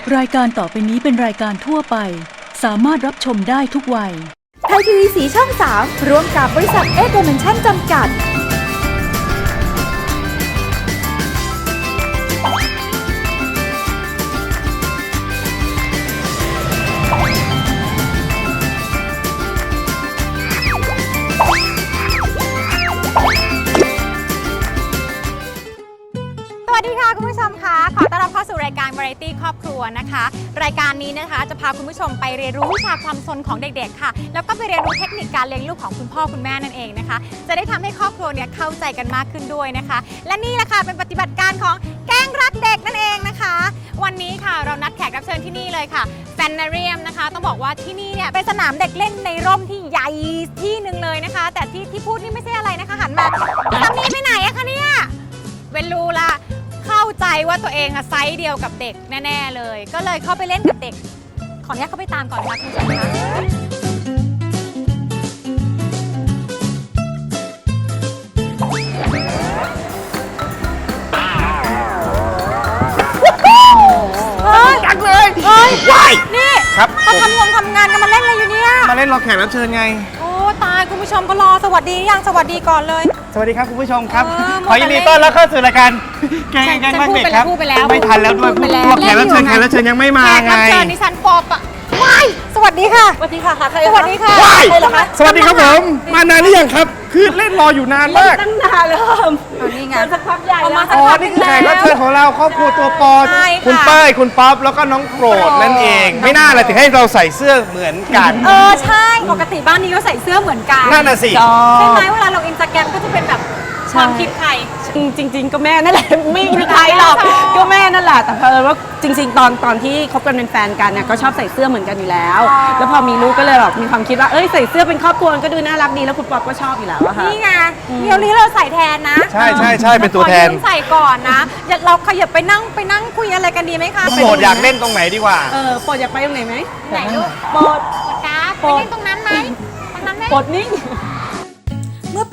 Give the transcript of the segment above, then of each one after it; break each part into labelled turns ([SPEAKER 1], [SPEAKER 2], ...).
[SPEAKER 1] รายการต่อไปนี้เป็นรายการทั่วไปสามารถรับชมได้ทุกวัย
[SPEAKER 2] ไทยทีวีสีช่อง 3 ร่วมกับบริษัทเอเดเมนชั่นจำกัด
[SPEAKER 3] สวัสดีค่ะคุณผู้ชมคะขอต้อนรับเข้าสู่รายการ Variety ครอบครัวนะคะรายการนี้นะคะจะพาคุณผู้ชมไปเรียนรู้วิชาความซนของเด็กๆค่ะแล้วก็ไปเรียนรู้เทคนิคการเลี้ยงลูกของคุณพ่อคุณแม่นั่นเองนะคะจะได้ทำให้ครอบครัวเนี่ยเข้าใจกันมากขึ้นด้วยนะคะและนี่แหละค่ะเป็นปฏิบัติการของแก๊งรักเด็กนั่นเองนะคะวันนี้ค่ะเรานัดแขกรับเชิญที่นี่เลยค่ะแฟนนาเรียมนะคะต้องบอกว่าที่นี่เนี่ยเป็นสนามเด็กเล่นในร่มที่ใหญ่ที่หนึ่งเลยนะคะแต่ที่พูดนี่ไม่ใช่อะไรนะคะหันมาทำนี้ไปไหนอะคะเนี่ยเวนรูละเข้าใจว่าตัวเองอะไซส์เดียวกับเด็กแน่ๆเลยก็เลยเข้าไปเล่นกับเด็กขออนุญาตเข้าไปตามก่อนนะคะคุณผู้ชมคะ
[SPEAKER 4] จังเลยว้าย
[SPEAKER 3] นี่
[SPEAKER 4] ครับ
[SPEAKER 3] มาทำงานกันมาเล่นอะไรอยู่เนี่ย
[SPEAKER 4] มาเล่นรอแขกรับเชิญไง
[SPEAKER 3] โอ้ตายคุณผู้ชมก็รอสวัสดียังสวัสดีก่อนเลย
[SPEAKER 4] สวัสดีครับคุณผู้ชมครับ
[SPEAKER 3] ข
[SPEAKER 4] ขอยินดีต้อนรับเข้าสู่รายการแกงรักเด็กครับ
[SPEAKER 3] พูดไปแล้ว
[SPEAKER 4] ไม่ทันแล้วด้วยพวกแขกรับเชิญยังไม่มาไง
[SPEAKER 3] แขกรับเชิญดิฉันปอบอะว้ายสวัสดีค่ะสวัสดีค่ะสวัสดีค่ะ
[SPEAKER 4] ว้ายสวัสดีครับผมมานานหรือยังครับคือเล่นรออยู่นานมาก
[SPEAKER 2] ตั้งนานเลย
[SPEAKER 3] นี่ไง
[SPEAKER 2] สักพักใหญ่แล้ว
[SPEAKER 4] อ๋อนี่คือแขกรับเชิญของเราครอบครัวตัวปอคุณเป้ยคุณป๊อปแล้วก็น้องโปรดนั่นเองไม่น่าเลยถึงให้เราใส่เสื้อเหมือนกัน
[SPEAKER 3] ใช่ปกติบ้านนี้ก็ใส่เสื้อเหมือนกัน
[SPEAKER 4] นั่นน่ะสิ
[SPEAKER 3] ใช่ไหมเวลาลงอินสตาแกรมก็จะเป็นแบบความคิดใคร
[SPEAKER 2] จริงๆก็แม่นั่นแหละไม่มีใครหรอกก็แม่นั่นแหละแต่เพราะว่าจริงๆตอนที่คบกันเป็นแฟนกันเนี่ยก็ชอบใส่เสื้อเหมือนกันอยู่แล้วแล้วพอมีลูกก็เลยแบบมีความคิดว่าใส่เสื้อเป็นครอบครัวก็ดูน่ารักดีแล้วคุณป๊อปก็ชอบอยู่แล้วอะค่ะ
[SPEAKER 3] นี่ไงเดี๋ยวนี้เราใส่แทนนะ
[SPEAKER 4] ใช่เป็นตัวแทน
[SPEAKER 3] ใส่ก่อนนะเราขยับไปนั่งคุยอะไรกันดีไหมคะ
[SPEAKER 4] โปรดอยากเล่นตรงไหนดีกว่า
[SPEAKER 2] โปรดอยากไปตรงไหนไหม
[SPEAKER 3] ไหนลูก
[SPEAKER 2] โปรด
[SPEAKER 3] การ์ดไปเล่นตรงนั้นไหมตรงนั้นไหม
[SPEAKER 2] โปรดนี่
[SPEAKER 5] เมื่อปี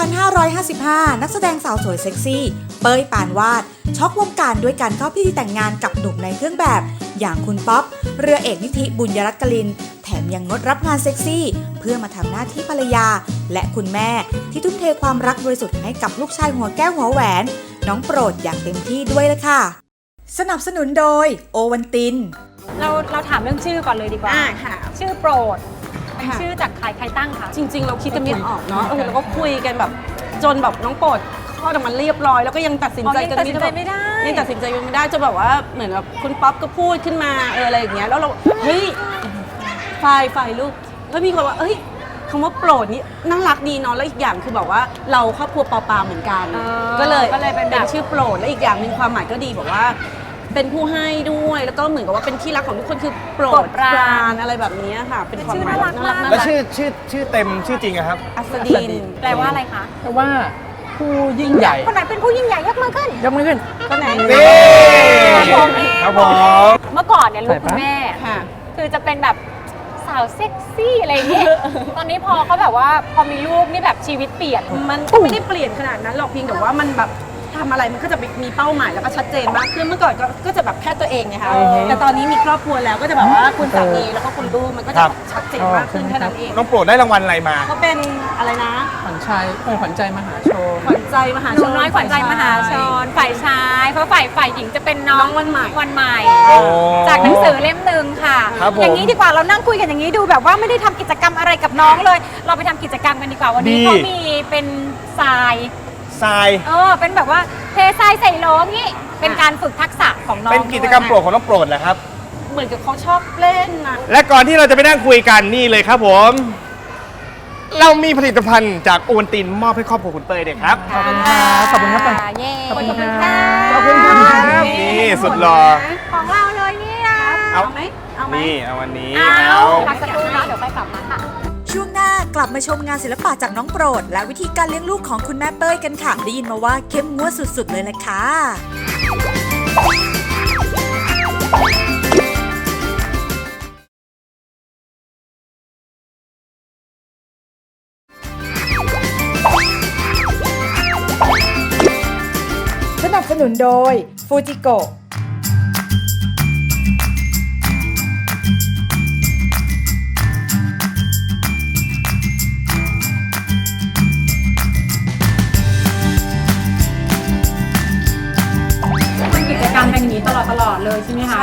[SPEAKER 5] 2555 นักแสดงสาวสวยเซ็กซี่เป้ยปานวาดช็อกวงการด้วยการเข้าพิธีแต่งงานกับหนุ่มในเครื่องแบบอย่างคุณป๊อปเรือเอกนิธิบุญยรัตน์กลินแถมยังงดรับงานเซ็กซี่เพื่อมาทำหน้าที่ภรรยาและคุณแม่ที่ทุ่มเทความรักบริสุทธิ์ให้กับลูกชายหัวแก้วหัวแหวนน้องโปรดอย่างเต็มที่ด้วยละค่ะสนับสนุนโดยโอวัลติน
[SPEAKER 3] เราถามเรื่องชื่อก่อนเลยดีกว่า
[SPEAKER 2] ค่ะ
[SPEAKER 3] ชื่อโปรดเป็นชื่อจากใครตั้งคะ
[SPEAKER 2] จริงๆเราคิดกันไม่ออกเนาะเราก็คุยกันแบบจนแบบน้องโปรดคลอดออกมาเรียบร้อยแล้วก็ยังตัดสินใจกัน
[SPEAKER 3] ไม่ได้
[SPEAKER 2] ยังตัดสินใจไม่ได้จนแบบว่าเหมือนแบบคุณป๊อปก็พูดขึ้นมาอะไรอย่างเงี้ยแล้วเราเฮ้ยฝ่ายลูกแล้วมีคนว่าคำว่าโปรดนี่น่ารักดีเนาะแล้วอีกอย่างคือแบบว่าเราครอบครัวปอเหมือนกันก็เลยเป็นชื่อโปรดและอีกอย่างนึงความหมายก็ดีบอกว่าเป็นผู้ให้ด้วยแล้วก็เหมือนกับว่าเป็นที่รักของทุกคนคือโปรดปรานอะไรแบบนี้ค่ะเป็นความหมายน่ารัก
[SPEAKER 4] แล้วชื่อเต็มชื่อจริงอะครับ
[SPEAKER 2] อัศดิน
[SPEAKER 3] แปลว่าอะไรคะ
[SPEAKER 6] แปลว่าผู้ยิ่งใหญ่
[SPEAKER 3] คนไหนเป็นผู้ยิ่งใหญ่ยกมือขึ้น
[SPEAKER 2] คนไหน
[SPEAKER 4] ครับผม
[SPEAKER 3] เมื่อก่อนเนี่ยลูกคุณแม่คือจะเป็นแบบสาวเซ็กซี่อะไรอย่างเงี้ยตอนนี้พอเขาแบบว่าพอมีลูกนี่แบบชีวิตเปลี่ยน
[SPEAKER 2] มันก็ไม่ได้เปลี่ยนขนาดนั้นหรอกเพียงแต่ว่ามันแบบทำอะไรมันก็จะมีเป้าหมายแล้วก็ชัดเจนมากขึ้นเมื่อก่อนก็จะแบบแค่ตัวเองไงคะแต่ตอนนี้มีครอบครัวแล้วก็จะแบบว่าคุณสามีแล้วก็คุณลูกมันก็จะชัดเจนมากขึ้นแค่นั้นเอง
[SPEAKER 4] น้องโปรดได้รางวัลอะไรมา
[SPEAKER 2] เขาเป็นอะไรนะ
[SPEAKER 6] ขวัญใจมหาชน
[SPEAKER 2] ขวัญใจมหาชน
[SPEAKER 3] น้อยขวัญใจมหาชนฝ่ายชายเพราะฝ่ายหญิงจะเป็นน้องวันใหม่จากหนังสือเล่มหนึ่งค่ะอย่างนี้ดีกว่าเรานั่งคุยกันอย่างนี้ดูแบบว่าไม่ได้ทำกิจกรรมอะไรกับน้องเลยเราไปทำกิจกรรมกันดีกว่าวันนี้เขามีเป็นทรายเป็นแบบว่าเททรายใส่โหลงี้เป็นการฝึกทักษะของน้อง
[SPEAKER 4] เป็นกิจกรรมโปรดของน้องโปรดแหละครับ
[SPEAKER 2] เหมือนกับเขาชอบเล่นนะ
[SPEAKER 4] และก่อนที่เราจะไปนั่งคุยกันนี่เลยครับผมเรามีผลิตภัณฑ์จากโอวัลตินมอบให้ครอบครัวคุณเป้ยด้วยครับ
[SPEAKER 3] ขอบคุณครับขอบคุณครับขอบคุณครับ
[SPEAKER 4] นี่สุดหล่อ
[SPEAKER 3] ของเราเลยนี่นะ
[SPEAKER 4] เอาไหมนี่เอาวันนี้
[SPEAKER 3] พักสักครู่นะเดี๋ยวไปกลับมาค่ะ
[SPEAKER 5] ช่วงหน้ากลับมาชมงานศิลปะจากน้องโปรดและวิธีการเลี้ยงลูกของคุณแม่เป้ยกันค่ะได้ยินมาว่าเข้มงวดสุดๆเลยแหละค่ะสนับสนุนโดยฟูจิโกะ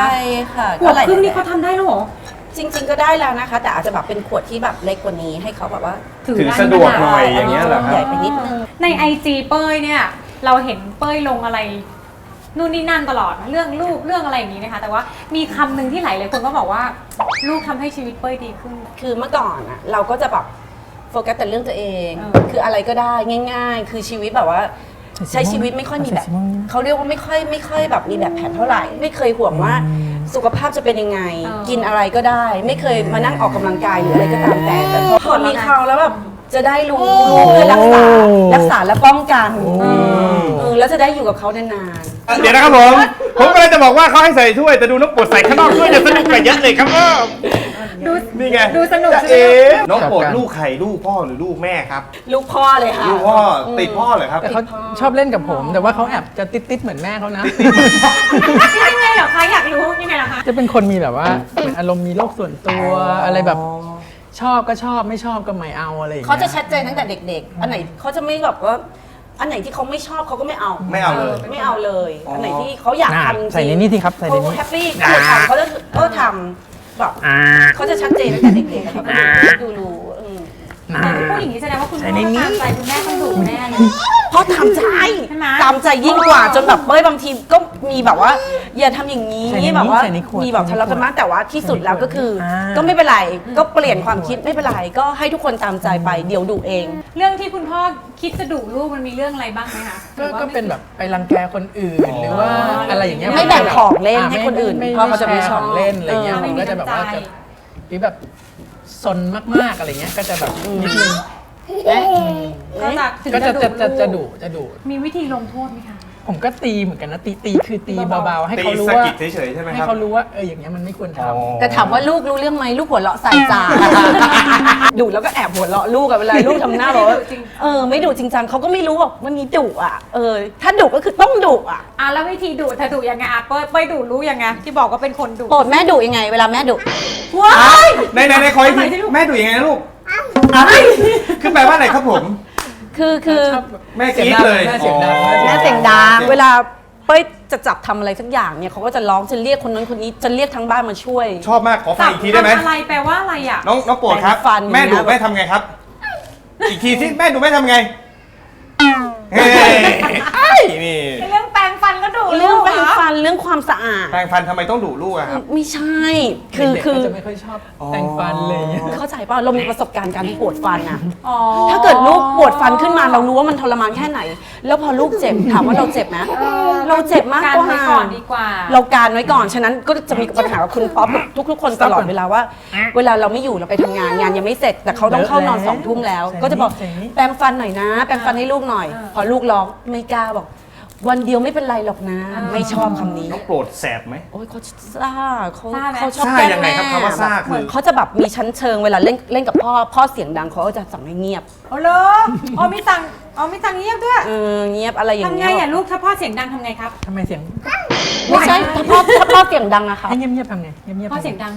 [SPEAKER 2] ใช่ค่ะ
[SPEAKER 3] ขวบ
[SPEAKER 2] หลาย
[SPEAKER 3] ครึ่งนี่
[SPEAKER 2] แบบ
[SPEAKER 3] เขาทำได้แล้วเหรอ
[SPEAKER 2] จริง ๆ ก็ได้แล้วนะคะ แต่อาจจะแบบเป็นขวดที่แบบเล็กกว่านี้ให้เขาแบบว่า
[SPEAKER 4] ถือสะดวกหน่อยอย่างเงี้ยเหรอค
[SPEAKER 2] ให
[SPEAKER 4] รั
[SPEAKER 2] ญ่
[SPEAKER 4] บ
[SPEAKER 2] ไปนิดนึง
[SPEAKER 3] ใน IG เป้ยเนี่ยเราเห็นเป้ยลงอะไรนู่นนี่นั่นตลอดเรื่องลูกเรื่องอะไรอย่างนี้นะคะแต่ว่ามีคำหนึ่งที่หลายคนก็บอกว่าลูกทำให้ชีวิตเป้ยดีขึ้น
[SPEAKER 2] คือเมื่อก่อนอะเราก็จะแบบโฟกัสแต่เรื่องตัวเอง คืออะไรก็ได้ง่าย ๆ คือชีวิตแบบว่าใช้ชีวิตไม่ค่อยมีแบบเขาเรียกว่าไม่ค่อยแบบมีแบบแผนเท่าไหร่ ไม่เคยห่วงว่าสุขภาพจะเป็นยังไง กินอะไรก็ได้ ไม่เคยมานั่งออกกำลังกายหรืออะไรก็ตามแต่พอมีเขาแล้วแบบจะได้รู้เพื่อรักษาและป้องกันแล้วจะได้อยู่กับเขานานๆ
[SPEAKER 4] เดี๋ยวนะครับผมกำลังจะบอกว่าเขาให้ใส่ถ้วยแต่ดูน้องโปรดใส่ข้างนอกถ้วยจะสนุกกว่าเยอะเลยครับ
[SPEAKER 3] ดู
[SPEAKER 4] นี่ไง
[SPEAKER 3] ดูสนุก
[SPEAKER 4] จะ
[SPEAKER 3] ใช่ไหม
[SPEAKER 4] น้องโปรดลูกใครลูกพ่อหรือลูกแม่ครับ
[SPEAKER 2] ลูกพ่อเลยค่ะ
[SPEAKER 4] ลูกพ่อติดพ่อเหรอครับ
[SPEAKER 6] แต่เขาชอบเล่นกับผม แต่ว่าเขาแอบจะติดๆเหมือนแม่เขานะ
[SPEAKER 3] ยังไงเหรอคะอยากรู้ยังไงเหรอคะ
[SPEAKER 6] จะเป็นคนมีแบบว่าเหมือนอารมณ์มีโลกส่วนตัวอะไรแบบชอบก็ชอบไม่ชอบก็ไม่เอาอะไรอย่าง
[SPEAKER 2] เขา
[SPEAKER 6] เงี้ย
[SPEAKER 2] จะชัดเจนตั้งแต่เด็กๆ อันไหนเขาจะไม่แบบว่าอันไหนที่เขาไม่ชอบเขาก็ไม่เอา
[SPEAKER 4] ไม่เอาเลย
[SPEAKER 2] ไม่เอาเลย อันไหนที่เขาอยากทำจริง
[SPEAKER 6] ใส่ในนี้ที่ครับใส่ใน
[SPEAKER 2] เขา
[SPEAKER 6] นี้
[SPEAKER 2] แฮปปี้เขาทำเขาจะทำแบบเขาจะชัดเจนตั้งแต่เด็กๆค่ะดูรู้
[SPEAKER 3] พูดอย่างนี้แสดงว่าคุณพ่อตามใจคุณแม่ต้องดุแน่เลย
[SPEAKER 2] เพราะทำใจ
[SPEAKER 3] ใช่ไหม
[SPEAKER 2] ตามใจยิ่งกว่าจนแบบเบ้ยบางทีก็มีแบบว่าอย่าทำอย่างนี้
[SPEAKER 6] ใส่ในนี้
[SPEAKER 2] แบบว่า
[SPEAKER 6] ใส่ในขวด
[SPEAKER 2] มีแบบทะเลาะกันมากแต่ว่าที่สุดแล้วก็คือ
[SPEAKER 6] อ่า
[SPEAKER 2] ก็ไม่เป็นไรก็เปลี่ยนความคิดไม่เป็นไรก็ให้ทุกคนตามใจไปเดี๋ยวดุเอง
[SPEAKER 3] เรื่องที่คุณพ่อคิดจะดุลูกมันมีเรื่องอะไรบ้างไหมคะหรือว่า
[SPEAKER 6] ก็เป็นแบบไปรังแกคนอื่นหรือว่าอะไรอย่างเงี้ย
[SPEAKER 2] ไม่แบ่งของเล่นให้คนอื่น
[SPEAKER 6] ไม่
[SPEAKER 2] เพราะเขาจะไม่
[SPEAKER 6] แชร์
[SPEAKER 2] ชอบ
[SPEAKER 6] ของเล่นอะไรเงี้ย
[SPEAKER 2] เออ
[SPEAKER 6] ผมก็จะแบบว่าจะหรือแบบซนมากๆอะไรเงี้ยก็จะแบบนิดนึง
[SPEAKER 3] ก็จะถึง
[SPEAKER 6] ก็
[SPEAKER 3] จะ
[SPEAKER 6] จะ
[SPEAKER 3] ดุ
[SPEAKER 6] จะดุ
[SPEAKER 3] มีวิธีลงโทษไหมคะ
[SPEAKER 6] ผมก็ตีเหมือนกันนะตีคือตีเบาๆให้
[SPEAKER 4] ตี
[SPEAKER 6] เขารู้
[SPEAKER 4] สะ
[SPEAKER 6] ว่า
[SPEAKER 4] กิดเฉยๆใช่ไหม
[SPEAKER 6] ให้
[SPEAKER 4] ครับ
[SPEAKER 6] เขารู้ว่าอย่างเงี้ยมันไม่ควรทำ
[SPEAKER 2] แต่ถามว่าลูกรู้เรื่องไหมลูกหัวเราะใส่จ่า ดุแล้วก็แอบหัวเราะลูกอะเวลาลูกทำหน้าแบบว่าไม่ดุจริงจังเขาก็ไม่รู้ว่าวันนี้ดุอ่ะถ้าดุก็คือต้องดุอ่ะ
[SPEAKER 3] แล้ววิธีดุเธอดุยังไงเป้ยดุรู้ยังไงที่บอกว่าเป็นคนดุ
[SPEAKER 2] โปรดแม่ดุยังไง เวลาแม่ดุ
[SPEAKER 3] ว้าย
[SPEAKER 4] ในขออีกทีแม่ดูยังไงนะลูกคือแปลว่าอะไรครับผม
[SPEAKER 2] คือ
[SPEAKER 4] แม่กรี๊ดเลย
[SPEAKER 6] แม่เสียงดัง
[SPEAKER 2] แม่เสียงดังเวลาเป้ยจะจับทำอะไรสักอย่างเนี่ยเขาก็จะร้องจะเรียกคนนั้นคนนี้จะเรียกทั้งบ้านมาช่วย
[SPEAKER 4] ชอบมากขอฟังอีกทีได้ไหม
[SPEAKER 3] ทำอะไรแปลว่าอะไรอ่ะ
[SPEAKER 4] น้องโปรดครับ
[SPEAKER 2] แปรงฟัน
[SPEAKER 4] แม่ดู
[SPEAKER 2] อย่างเงี้ย
[SPEAKER 4] แม่ทำไงครับ อีกทีที่แม่ดูแม่ทำไงเฮ้ยนี่
[SPEAKER 3] เรื่องแปรงฟันก็ดุ
[SPEAKER 2] เรื่องแปรงฟันเรื่องความสะอาด
[SPEAKER 4] แปรงฟันทำไมต้องดุลูกอะครับ
[SPEAKER 2] ไม่ใช่
[SPEAKER 6] เด็กๆ
[SPEAKER 2] คือ
[SPEAKER 6] ก็จะไม่ค่อยชอบแต่งฟันเลย
[SPEAKER 2] เข้าใจป่ะเรามีประสบการณ์การปวดฟันอะ
[SPEAKER 3] อ๋อ
[SPEAKER 2] ถ้าเกิดลูกปวดฟันขึ้นมาเรารู้ว่ามันทรมานแค่ไหน แล้วพอลูกเจ็บถามว่าเราเจ็บไหมเราเจ็บมาก
[SPEAKER 3] การ
[SPEAKER 2] กว่า
[SPEAKER 3] ไว้ก่อนดีกว่า
[SPEAKER 2] เราการไว้ก่อนฉะนั้นก็จะมีปัญหากับคุณป๊อปกับทุกๆคนตลอดเวลาว่า เวลาเราไม่อยู่เราไปทำงานงานยังไม่เสร็จ แต่เขาต้องเข้านอน2 ทุ่มแล้ว ก็จะบอกแปรงฟันหน่อยนะ แปรงฟันให้ลูกหน่อย พอลูกร้องไม่กล้าบอก วันเดียวไม่เป็นไรหรอกนะ ไม่ชอบคำนี้
[SPEAKER 4] น้องโปรดแสบไหม
[SPEAKER 2] โอ้ยเขาซ่าเขา
[SPEAKER 3] ซ่าไหม
[SPEAKER 2] เขาชอบ
[SPEAKER 4] ซ่า
[SPEAKER 2] แกล้ง
[SPEAKER 4] ยังไง
[SPEAKER 2] แม่
[SPEAKER 4] ครับคำว่าซ่าคือ
[SPEAKER 2] เหมือนเขาจะแบบมีชั้นเชิงเวลาเล่นกับพ่อเสียงดังเขาก็จะสั่งให้เงียบ
[SPEAKER 3] โอ้โหมีตังเงียบด้วย
[SPEAKER 2] เงียบอะไรอย่าง
[SPEAKER 3] ทำ
[SPEAKER 2] เงี้
[SPEAKER 3] ไง
[SPEAKER 2] ย
[SPEAKER 3] อ่ะลูกถ้าพ่อเสียงดังทำไงครับ
[SPEAKER 6] ทำไมเสียง
[SPEAKER 2] ไม่ใช่ถ้าพ่อเสียงดังอะค่ะ
[SPEAKER 6] ให้เงียบๆทำไงเงียบๆ
[SPEAKER 3] พ่อเสียงดัง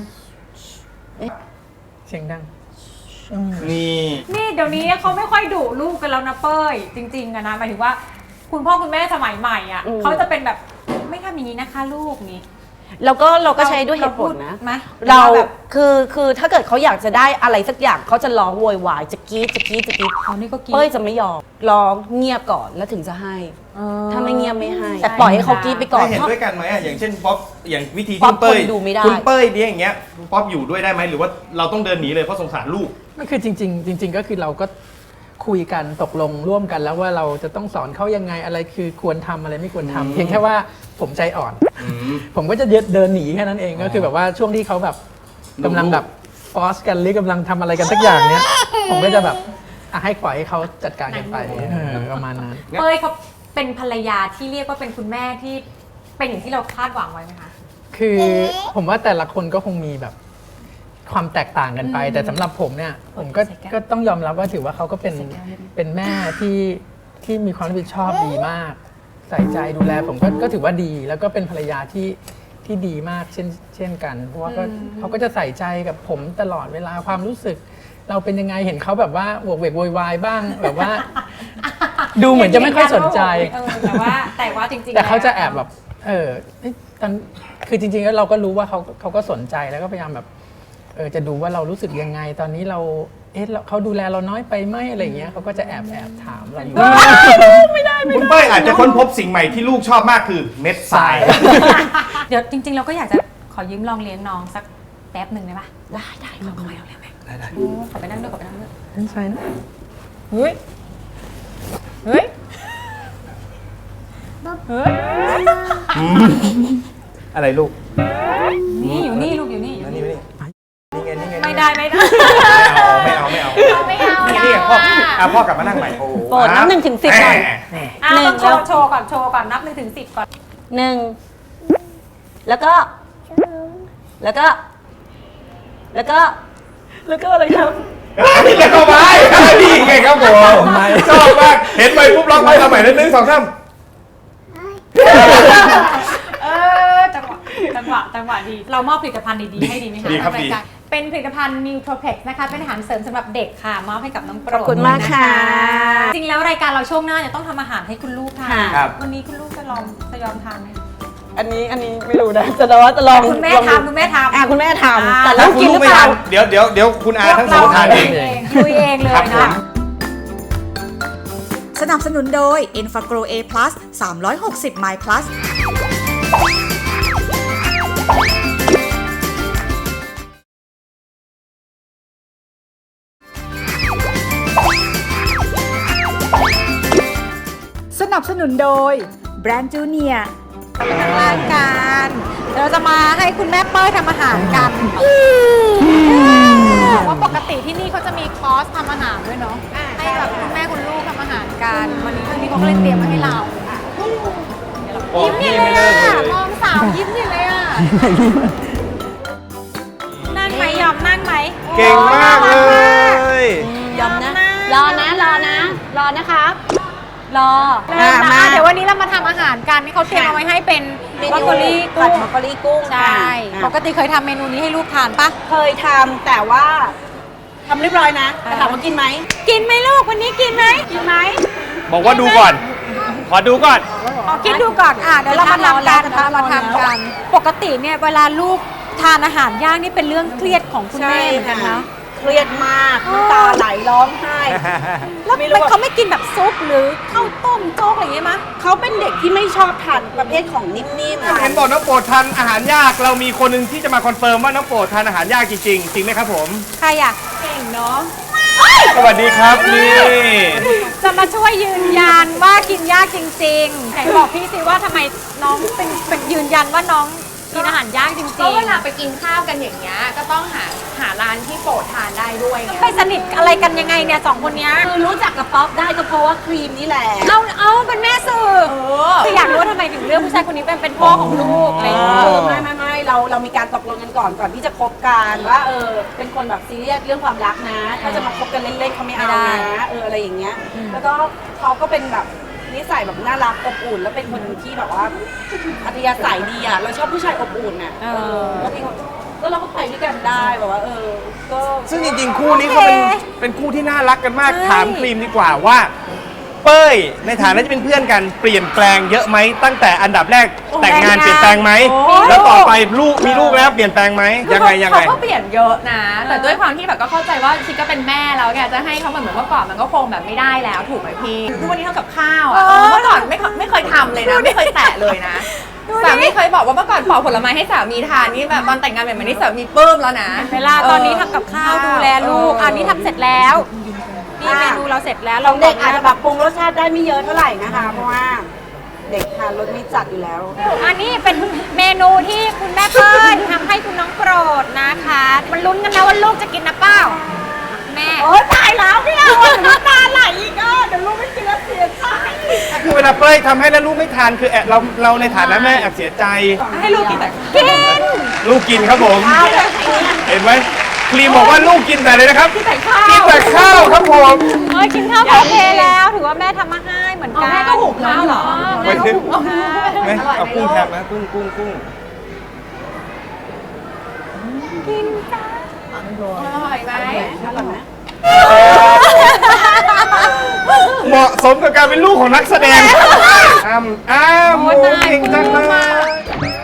[SPEAKER 6] เสียงดัง
[SPEAKER 4] นี่
[SPEAKER 3] นี่เดี๋ยวนี้เขาไม่ค่อยดุลูกกันแล้วนะเป้ยจริงๆอะนะหมายถึงว่า คุณพ่อคุณแม่สมัยใหม่อ่ะเขาจะเป็นแบบไม่ทำอย่างนี้นะคะลูกนี้
[SPEAKER 2] เราก็ใช้ด้วยเหตุผลนะ
[SPEAKER 3] ไหม
[SPEAKER 2] เรา
[SPEAKER 3] แบบ
[SPEAKER 2] คือถ้าเกิดเขาอยากจะได้อะไรสักอย่างเขาจะร้องโวยวายจะกรี๊ด
[SPEAKER 3] อ๋อนี่ก็กิน
[SPEAKER 2] เป้ยจะไม่ยอมร้องเงียบก่อนแล้วถึงจะให้ ถ้าไม่เงียบไม่ให้ แต่ปล่อยให้เขากรี๊ดไปก่อน
[SPEAKER 4] ได้เห็นด้วยกันไหมอะอย่างเช่นป๊อปอย่างวิธี
[SPEAKER 2] ป๊อ
[SPEAKER 4] ที่
[SPEAKER 2] ป
[SPEAKER 4] เป้ย
[SPEAKER 2] คนดูไม่ได้
[SPEAKER 4] คุณเป้ยเนี่ยอย่างเงี้ยป๊อปอยู่ด้วยได้ไหมหรือว่าเราต้องเดินหนีเลยเพราะสงสารลูก
[SPEAKER 6] ไม่คือจริง ๆ ก็คือเราก็คุยกันตกลงร่วมกันแล้วว่าเราจะต้องสอนเขายังไงอะไรคือควรทำอะไรไม่ควรทำเพียงแค่ว่าผมใจอ่อน ผมก็จะเดินหนีแค่นั้นเองก็คือแบบว่าช่วงที่เขาแบบกำลังแบบฟอสกันหรือกำลังทำอะไรกันสักอย่างเนี้ยผมก็จะแบบให้ปล่อยให้เขาจัดการกันไปประมาณนั้น
[SPEAKER 3] เป้ยเขาเป็นภรรยาที่เรียกว่าเป็นคุณแม่ที่เป็นอย่างที่เราคาดหวังไว้ไหมคะ
[SPEAKER 6] คือผมว่าแต่ละคนก็คงมีแบบความแตกต่างกันไป แต่สำหรับผมเนี่ยผมก็ต้องยอมรับว่าถือว่าเขาก็เป็นแม่ที่มีความรับผิดชอบดีมาก ใส่ใจดูแลผมก็ถือว่าดี แล้วก็เป็นภรรยาที่ดีมากเช่นกันเพราะว่าเขาก็จะใส่ใจกับผมตลอดเวลาความรู้สึก เราเป็นยังไงเห็นเขาแบบว่าโวกเวกโวยวายบ้างแบบว่า ดูเหมือนจะไม่ค่อยสนใจ
[SPEAKER 3] แต่ว่าจริงๆ
[SPEAKER 6] แต่เขาจะแอบแบบตอนคือจริงๆแล้วเราก็รู้ว่าเขาก็สนใจแล้วก็พยายามแบบจะดูว่าเรารู้สึกยังไงตอนนี้เราเขาดูแลเราน้อยไปไหมอะไรอย่างเงี้ยเขาก็จะแอบถามเราอยู่
[SPEAKER 4] คุณเป้ยอาจจะค้นพบสิ่งใหม่ที่ลูกชอบมากคือเม็ดทราย
[SPEAKER 3] เดี๋ยวจริงๆเราก็อยากจะขอยืมลองเลี้ยงน้องสักแป๊บหนึ่งได้ปะได้ขอไปเอาเลยไหมได้ขอไปนั่งด้วย
[SPEAKER 6] ไม่ใช่นะ
[SPEAKER 3] เฮ้ย
[SPEAKER 4] อะไรลูก
[SPEAKER 3] นี่อยู่นี่ลูกอยู่นี่
[SPEAKER 4] นี่ไงนี่ไง
[SPEAKER 3] ไม่ได้
[SPEAKER 4] ไม่เอา
[SPEAKER 3] ไม่เอา
[SPEAKER 4] นี่พ่อพ่อกลับมานั่งใหม่โอ้
[SPEAKER 2] โปรดนับ1 ถึง 10หน่อย
[SPEAKER 3] หนึ่ง
[SPEAKER 2] 1 แล้ว
[SPEAKER 3] โชว์ก่อนนับ1 ถึง 10ก่อน
[SPEAKER 2] 1 แล้วก็อะไรครับ
[SPEAKER 4] นี่จะเข้าไปนี่ไงครับผมชอบมากเห็นไปปุ๊บร้องไปทำใหม่1 2 3
[SPEAKER 3] จังหวะดี เรามอบผลิตภัณฑ์ดีๆให้ดีไหมคะ
[SPEAKER 4] ดีครับ
[SPEAKER 3] ทาง
[SPEAKER 4] ดี
[SPEAKER 3] ยการเป็นผลิตภัณฑ์ Nutropex นะคะเป็นอาหารเสริมสำหรับเด็กค่ะมอบให้กับน้องโปรด
[SPEAKER 2] ขอบคุณมากค่ะ
[SPEAKER 3] จริงแล้วรายการเราช่วงหน้าจะต้องทำอาหารให้คุณลูกทาน
[SPEAKER 4] ครับ
[SPEAKER 3] วันนี้คุณลูกจะยอมทานไหม
[SPEAKER 2] อันนี้ไม่รู้นะจะลอง
[SPEAKER 3] คุณแม่ทำ
[SPEAKER 2] คุณแม่ทำแต่
[SPEAKER 3] อ่า
[SPEAKER 2] ลูกกินหรือเปล่า
[SPEAKER 4] เดี๋ยวคุณอาทั้งสองทานเอง
[SPEAKER 3] ลุยเองเลย
[SPEAKER 4] ครับผม
[SPEAKER 3] นะ
[SPEAKER 5] สนับสนุนโดย e n f a g r o A+ 360 My Plus สนับสนุนโดยแบรนด์จูเนีย
[SPEAKER 3] ไปทางรายการเดี๋ยวเราจะมาให้คุณแม่เป้ยทำอาหารกันว่าปกติที่นี่เขาจะมีคอร์สทำอาหารด้วยเนาะให้แบบคุณแม่คุณลูกทำอาหารกันวันนี้เขาก็เลยเตรียมมาให้เรายิ้มใหญ่เลยอ่ะมองสาวยิ้มใหญ่เลยอ่ะนั่งไหมยอมนั่งไหม
[SPEAKER 4] เก่งมากเลย
[SPEAKER 2] ยอมนะ รอนะครับ
[SPEAKER 3] รอ
[SPEAKER 2] มา
[SPEAKER 3] เดี๋ยววันนี้เรามาทำอาหารกันที่เขาเตรียมเอาไว้ให้เป็นบรอกโคลี
[SPEAKER 2] ผัดบรอกโคลีกุ้ง
[SPEAKER 3] ใช่
[SPEAKER 2] ค่ะ
[SPEAKER 3] ปกติเคยทำเมนูนี้ให้ลูกทานปะ
[SPEAKER 2] เคยทำแต่ว่าทำเรียบร้อยนะแต่ถามว่ากินไหม
[SPEAKER 3] กินไหมลูกวันนี้กินไหม
[SPEAKER 4] บอกว่าดูก่อน ขอดูก่อน
[SPEAKER 3] คิดดูก่อนเดี๋ยวเรามาทำกันปกติเนี่ยเวลาลูกทานอาหารย่างนี่เป็นเรื่องเครียดของคุณแม่เหมือนกันนะ
[SPEAKER 2] เครียดมากน้ำตาไหลร้องไห้
[SPEAKER 3] แล้ว
[SPEAKER 2] ไม่รู้ว่า
[SPEAKER 3] เขาไม่กินแบบซุปหรือข้าวต้มโจ๊กอะไรอย่างเงี้ยมั้ย
[SPEAKER 2] เขาเป็นเด็กที่ไม่ชอบทานประเภทของนิ่มๆ
[SPEAKER 4] เห็นบอกน้องโปรดทานอาหารยาก เรามีคนหนึ่งที่จะมาคอนเฟิร์มว่าน้องโปรดทานอาหารยากจริงๆ จริงไหมครับผม
[SPEAKER 3] ใครอ่ะ
[SPEAKER 2] เก่งเนาะ
[SPEAKER 4] สวัสดีครับนี่
[SPEAKER 3] จะมาช่วยยืนยันว่ากินยากจริงๆไหนบอกพี่สิว่าทำไมน้องเป็นยืนยันว่าน้องกินอาหารยากจริงๆ
[SPEAKER 7] ก็เวลาไปกินข้าวกันอย่างเงี้ยก็ต้องหาร้านที่โปรดทานได้ด้วยไง
[SPEAKER 3] ไปสนิทอะไรกันยังไงเนี่ยสองคนเนี้ย
[SPEAKER 2] คือรู้จักกับป๊อปได้ก็เพราะว่าครีมนี่แหละ
[SPEAKER 3] เอาเป็นแม่สื่อคืออยากรู้ว่าทำไมถึงเลือกผู้ชายคนนี้เป็นพ่อของลูกอะไรอย่างเงี้ย
[SPEAKER 2] ไม่เรามีการตกลงกันก่อนที่จะคบกันว่าเป็นคนแบบซีเรียสเรื่องความรักนะ ถ้าจะมาคบกันเล่นๆเขาไม่เอานะอะไรอย่างเงี้ยแล้วก็เขาก็เป็นแบบนิสัยแบบน่ารักอบอุ่นแล้วเป็นคนที่แบบว่าอัธยาศัยดีอ่ะเราชอบผู้ชายอบอุ่นอ่ะแล้วพี่ก็เราก็ไปด้วยกันได้แบบว่าก็
[SPEAKER 4] ซึ่งจริงๆ คู่นี้เขาเป็นคู่ที่น่ารักกันมาก ถามครีมดีกว่าว่า เป้ยในฐานะที่เป็นเพื่อนกันเปลี่ยนแปลงเยอะไหมตั้งแต่อันดับแรกแต่งงานเปลี่ยนแปลงไหมแล้วต่อไปมีลูกแล้วเปลี่ยนแปลงไหมยังไง
[SPEAKER 7] เขาก็เปลี่ยนเยอะนะ แต่ด้วยความที่แบบก็เข้าใจว่าชิคก็เป็นแม่แล้วแกจะให้เขาเหมือนเมื่อก่อนมันก็คงแบบไม่ได้แล้วถูกไหมพี่ทุกวันนี้ทำกับข้าวอ่ะเมื่อก่อนไม่เคยทำเลยนะไม่เคยแตะเลยนะสามีเคยบอกว่าเมื่อก่อนปอกผลไม้ให้สามีทานนี่แบบตอนแต่งงานแบบนี้สามีปลื้มแล้วนะ
[SPEAKER 3] เวลาตอนนี้ทำกับข้าวดูแลลูกอันนี้ทำเสร็จแล้วนี่เมนูเราเสร็จแล้ว
[SPEAKER 2] เราเด็กอาจจะแบบปรุงรสชาติได้ไม่เยอะเท่าไหร่นะคะเพราะว่าเด็กทานรสไม่จัดอยู่แล้ว
[SPEAKER 3] อันนี้เป็นเมนูที่คุณแม่เปิ้ลทำให้คุณน้องโปรดนะคะมันลุ้นกันนะว่าลูกจะกินนะเปล่าแม่
[SPEAKER 2] โอ้ตายแล้วพี่เอาน้ำตาไหลอีกเดี๋ยวลูกไม่กินแล้วเสียใจ
[SPEAKER 4] คือเวลาเป้ยทำให้แล้วลูกไม่ทานคือเราในฐานะแม่แอบเสียใจ
[SPEAKER 7] ให้ลูกกินแต่
[SPEAKER 3] กิน
[SPEAKER 4] ลูกกินครับผม เห็นไหมครีมบอกว่าลูกกินแต่เลยนะครับกินแต่ข้าวครับผม
[SPEAKER 3] กินข้าวโอเคแล้วถือว่าแม่ทำมาให้เหมือนกัน
[SPEAKER 7] แม่ก็หุงข้าวเหรอ
[SPEAKER 3] แม่ก็หุงข้าว
[SPEAKER 4] ไหมเอากุ้งแทบนะกุ้ง
[SPEAKER 3] กินจ้า
[SPEAKER 7] อร่อยไหม
[SPEAKER 4] เหมาะสมกับการเป็นลูกของนักแสดงอ้ำเก่งจังเลย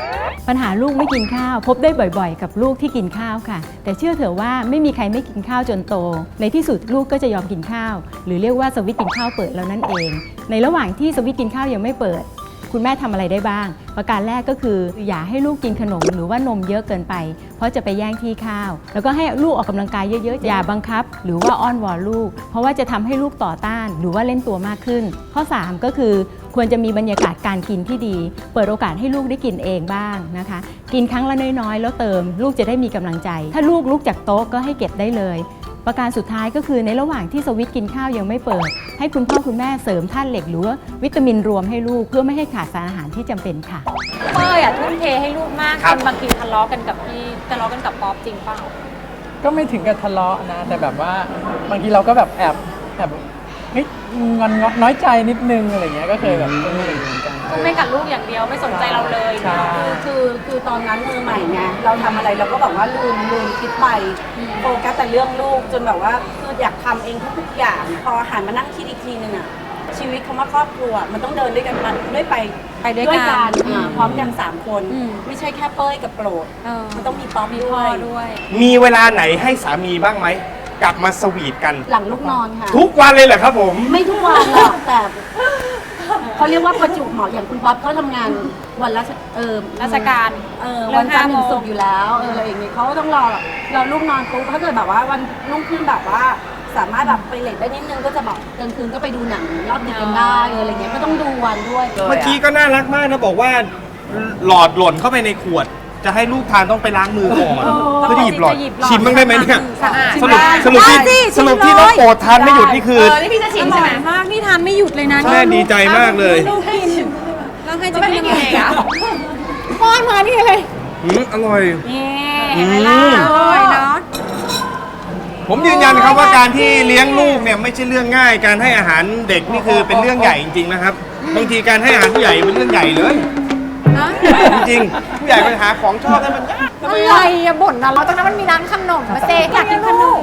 [SPEAKER 8] ปัญหาลูกไม่กินข้าวพบได้บ่อยๆ กับลูกที่กินข้าวค่ะ แต่เชื่อเถอะว่าไม่มีใครไม่กินข้าวจนโต ในที่สุดลูกก็จะยอมกินข้าว หรือเรียกว่าสวิตช์กินข้าวเปิดแล้วนั่นเอง ในระหว่างที่สวิตช์กินข้าวยังไม่เปิด คุณแม่ทำอะไรได้บ้าง ประการแรกก็คืออย่าให้ลูกกินขนมหรือว่านมเยอะเกินไป เพราะจะไปแย่งที่ข้าว แล้วก็ให้ลูกออกกำลังกายเยอะๆ อย่าบังคับ หรือว่าอ้อนวอนลูก เพราะว่าจะทำให้ลูกต่อต้านหรือว่าเล่นตัวมากขึ้น ข้อ 3 ก็คือควรจะมีบรรยากาศการกินที่ดี เปิดโอกาสให้ลูกได้กินเองบ้างนะคะ กินครั้งละน้อยๆ แล้วเติมลูกจะได้มีกำลังใจ ถ้าลูกลุกจากโต๊ะก็ให้เก็บได้เลย ประการสุดท้ายก็คือในระหว่างที่สวิตช์กินข้าวยังไม่เปิด ให้คุณพ่อคุณแม่เสริมธาตุเหล็กหรือว่าวิตามินรวมให้ลูกเพื่อไม่ให้ขาดสารอาหารที่จำเป็นค่ะ
[SPEAKER 3] เป้ยอ่ะทุ่มเทให้ลูกมาก
[SPEAKER 4] ครั
[SPEAKER 3] จ
[SPEAKER 4] บ
[SPEAKER 3] นบางทีทะเลาะกันกับพี่ทะเลาะกันกับป๊อปจริงเปล่า
[SPEAKER 6] ก็ไม่ถึงกับทะเลาะนะ แต่แบบว่าบางทีเราก็แบบแอบเฮ้ยงอนน้อยใจนิดนึงอะไรเงี้ยก็เคยแบบเป็นอย่างนี้เหมือนกัน
[SPEAKER 3] ไม่กับลูกอย่างเดียวไม่สนใจเราเลย
[SPEAKER 6] ใช่
[SPEAKER 2] คือตอนนั้นมือใหม่ไงเราทำอะไรเราก็แบบว่าลืมคิดไปโฟกัสแต่เรื่องลูกจนแบบว่าคืออยากทำเองทุกๆอย่าง พอหันมานั่งคิดอีกทีนึงอะชีวิตคำว่าครอบครัวมันต้องเดินด้วยกันมันด้วยไป
[SPEAKER 3] ไปด้วยกัน
[SPEAKER 2] พร้อมกัน3 คน
[SPEAKER 3] อืม
[SPEAKER 2] ไม่ใช่แค่เป้ยกับโปรด
[SPEAKER 3] เออ
[SPEAKER 2] มันต้องมีป๊อป
[SPEAKER 3] มี
[SPEAKER 2] ด้
[SPEAKER 3] พ่
[SPEAKER 2] ว
[SPEAKER 3] อย ด้วย
[SPEAKER 4] มีเวลาไหนให้สามีบ้างไหมกลับมาสวีทกัน
[SPEAKER 2] หลังลูกนอนค่ะ
[SPEAKER 4] ทุกวันเลยเหรอครับผม
[SPEAKER 2] ไม่ทุกวันหรอกแต่เขาเรียกว่าประจุเหมาะอย่างคุณป๊อปเขาทำงานวันละ
[SPEAKER 3] ราชการ เลิก
[SPEAKER 2] วันจันทร์ถึง
[SPEAKER 3] 5
[SPEAKER 2] ศุกร์อยู่แล้วอะไรอย่างเงี้ยเขาก็ต้องรอลูกนอนปุ๊บถ้าเกิดแบบว่าวันรุ่งขึ้นแบบว่าสามารถแบบไปเลทได้นิดนึงก็จะแบบกลางคืนก็ไปดูหนังรอบดึกกันได้อะไรเงี้ยไม่ต้องดูวันด้วย
[SPEAKER 4] เมื่อกี้ก็น่ารักมากนะบอกว่าหลอดหล่นเข้าไปในขวด จะให้ลูกทานต้องไปล้างมือก่อนเพื่อที่หยิบหลอด
[SPEAKER 3] จะหยิบหลอด
[SPEAKER 4] ชิมบ้างได้ไหมเนี่ย
[SPEAKER 3] สะอาด
[SPEAKER 4] สรุป
[SPEAKER 3] ได้
[SPEAKER 4] ที่
[SPEAKER 3] ได้
[SPEAKER 4] สรุปที่น้องโปรดทานไม่หยุดนี่คือ
[SPEAKER 7] นี่พี่จะชิมใช่ไหม
[SPEAKER 3] มากนี่ทานไม่หยุดเลยนะ
[SPEAKER 4] แม่ดีใจมากเลย
[SPEAKER 3] ลูกกินแล้วให้จะ
[SPEAKER 7] ไม่
[SPEAKER 3] กิ
[SPEAKER 7] ได้
[SPEAKER 3] น
[SPEAKER 7] กินเองอะ
[SPEAKER 3] ป้อนมานี่เลย
[SPEAKER 4] อร่อย
[SPEAKER 3] นี่เห็นไหมล่ะอร่อยเนาะ
[SPEAKER 4] ผมยืนยันครับว่าการที่เลี้ยงลูกเนี่ยไม่ใช่เรื่องง่าย การให้อาหารเด็กนี่คือเป็นเรื่องใหญ่จริงๆนะครับ บางทีการให้อาหารผู้ใหญ่เป็นเรื่องใหญ่เลย
[SPEAKER 3] นะ
[SPEAKER 4] จริงๆผู้ใหญ่ไปหาของชอบให้มันยาก
[SPEAKER 3] อะไรอะบ่นนะเราตรงนั้นมันมีร้านขนมมาเซอยากกินขนม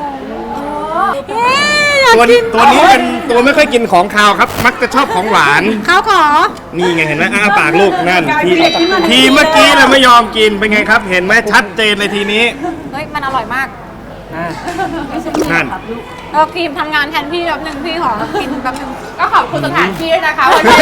[SPEAKER 3] อยาก
[SPEAKER 4] ตัว
[SPEAKER 3] กิ
[SPEAKER 4] นี้
[SPEAKER 3] น
[SPEAKER 4] ตัวนี้เป็นตัวไม่ค่อยกินของคาวครับ มักจะชอบของหวาน
[SPEAKER 3] ข้าวขอ
[SPEAKER 4] นี่ไงเห็นไหมอ้าปากลูกนั่นทีเมื่อกี้เราไม่ยอมกินเป็นไงครับ เห็นไหมชัดเจนเลยทีนี้
[SPEAKER 3] เฮ้ยมันอร่อยมาก
[SPEAKER 4] นั่น
[SPEAKER 3] ครีมทำงานแทนพี่แป๊บนึงพี่ขอกินแป๊บนึง
[SPEAKER 7] ก็ขอบคุณสถานที่ด้วยนะคะวันนี้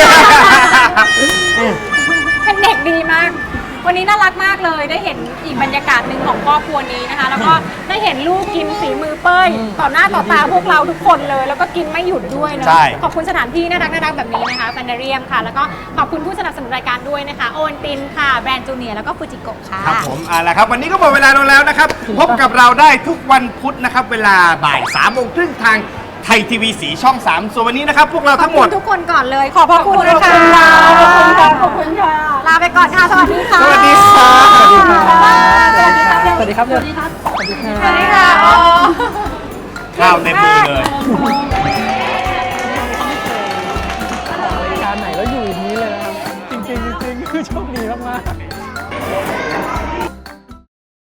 [SPEAKER 3] เป็นเด็กดีมาก วันนี้น่ารักมากเลยได้เห็นอีกบรรยากาศหนึ่งของครอบครัวนี้นะคะ แล้วก็ได้เห็นลูกกินฝีมือเป้ยต่อหน้าต่อตาพวกเราทุกคนเลย แล้วก็กินไม่หยุดด้วยนะ
[SPEAKER 4] ใช่
[SPEAKER 3] ขอบคุณสถานที่น่ารักแบบนี้นะคะแฟนเรียมค่ะ แล้วก็ขอบคุณผู้สนับสนุนรายการด้วยนะคะโอวันตินค่ะแบรนด์จูเนียร์แล้วก็ฟูจิโกะค่ะ
[SPEAKER 4] ครับผมเอาละครับ วันนี้ก็หมดเวลาลงแล้วนะครับ พบกับเราได้ทุกวันพุธนะครับ เวลาบ่าย3 โมงครึ่งทางไทยทีวีสีช่อง 3 ส่วนวันนี้นะครับ พวกเรา
[SPEAKER 3] ขอบ
[SPEAKER 4] ทั้งหม
[SPEAKER 3] คุ
[SPEAKER 4] ด
[SPEAKER 3] ณทุกคนก่อนเลย ขอบพระคุณนะคะ
[SPEAKER 2] ขอบคุณค่ะขอบคุณค่ะ
[SPEAKER 3] ลาไปก่อนค่ะ สวัสดีค่ะ
[SPEAKER 4] สวัสดีครับ
[SPEAKER 6] สวัสดีครับ
[SPEAKER 3] บ๊ายบาย
[SPEAKER 6] สวัสดีครับ
[SPEAKER 2] สวัสดีครับ
[SPEAKER 6] สวัสดีครับ
[SPEAKER 3] สวัสดีค่ะ
[SPEAKER 4] ข้าวเต็มมือเลย
[SPEAKER 6] รายการไหนก็อยู่อย่างนี้เลยนะครับ จริงๆคือโชคดีมากๆ